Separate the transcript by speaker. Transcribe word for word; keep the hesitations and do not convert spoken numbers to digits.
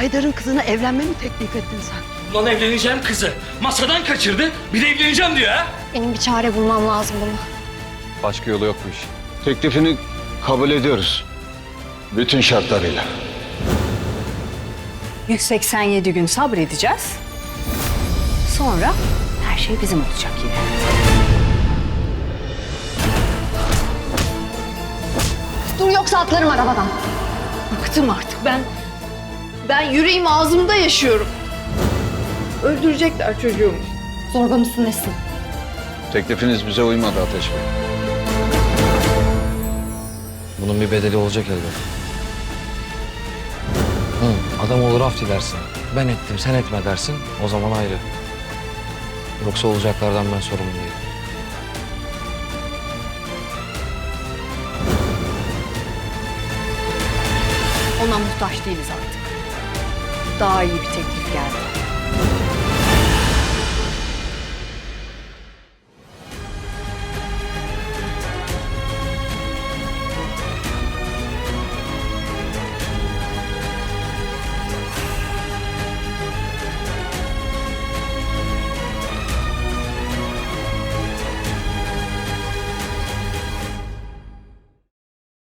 Speaker 1: Haydar'ın kızına evlenme mi teklif ettin sen?
Speaker 2: Ulan evleneceğim kızı. Masadan kaçırdı. Bir de evleneceğim diyor ha.
Speaker 3: Benim bir çare bulmam lazım buna.
Speaker 4: Başka yolu yok bu işin. Teklifini kabul ediyoruz. Bütün şartlarıyla.
Speaker 5: yüz seksen yedi gün sabredeceğiz. Sonra her şey bizim olacak yine.
Speaker 3: Dur yoksa atlarım arabadan.
Speaker 6: Bıktım artık ben. Ben yüreğim ağzımda yaşıyorum. Öldürecekler çocuğumu.
Speaker 3: Zorba mısın nesin?
Speaker 4: Teklifiniz bize uymadı Ateş Bey.
Speaker 7: Bunun bir bedeli olacak elbet. Hı, adam olur af dilersin. Ben ettim, sen etme dersin. O zaman ayrı. Yoksa olacaklardan ben sorumlu değilim.
Speaker 5: Ona muhtaç değiliz artık. Daha iyi bir teklif geldi.